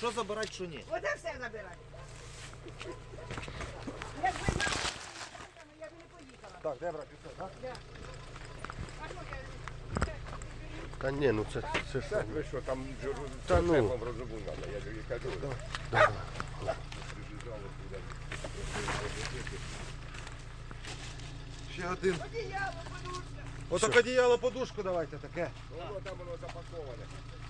що забирати, що ні. Оце все забирай. Якби знала, я б не поїхала. Так, де брати все, так? А що я? Та ні, ну це ж... Це ви що, там Та ну. шефом розуму треба, я тобі кажу. Ще один. Одіяло, подушка. Отак одіяло, подушку давайте таке. Воно там воно запаковане.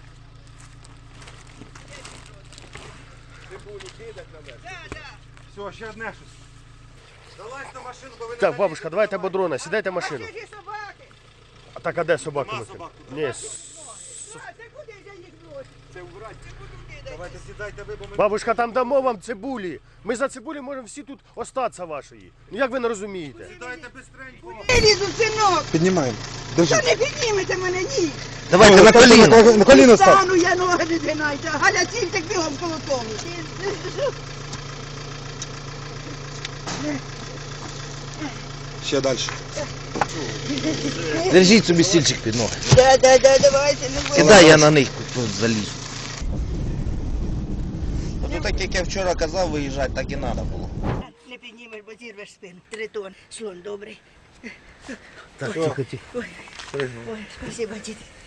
Цибулю кидать на мене. Да, да. Все, ще одне щось. Залазь на машину, бо ви не Так, бабушка, давайте бодрона, сідайте в А машину. це ж і собаки. А так, а де собаки? Нема викинуть? собак тут. Ні, А це куди ж я їх бросив? Це убрати. Ти куди кидаєш? Давайте сідайте ви, бо ми... бабушка, там дамо вам цибулі. Ми за цибулі можемо всі тут остатися вашої. Ну як ви не розумієте? Сідайте бистренько. Я лізу, синок. Піднімаємо. Та не піднімете мене, ні. Давайте на коліно. На коліно став. Стану, я ноги не згинайте. Галя, цільтик бігом коло тому. Ще далі. Держіть собі стільчик під ноги. Да, давайте, не бойся. Кидай, я на них тут залізу. Ну так як я вчора казав, виїжджати, так і треба було. Не піднімеш, бо зірвеш спину. 3 тонн. Слон добрий. Так, тихо, тихо. Ой, спасибо, діти.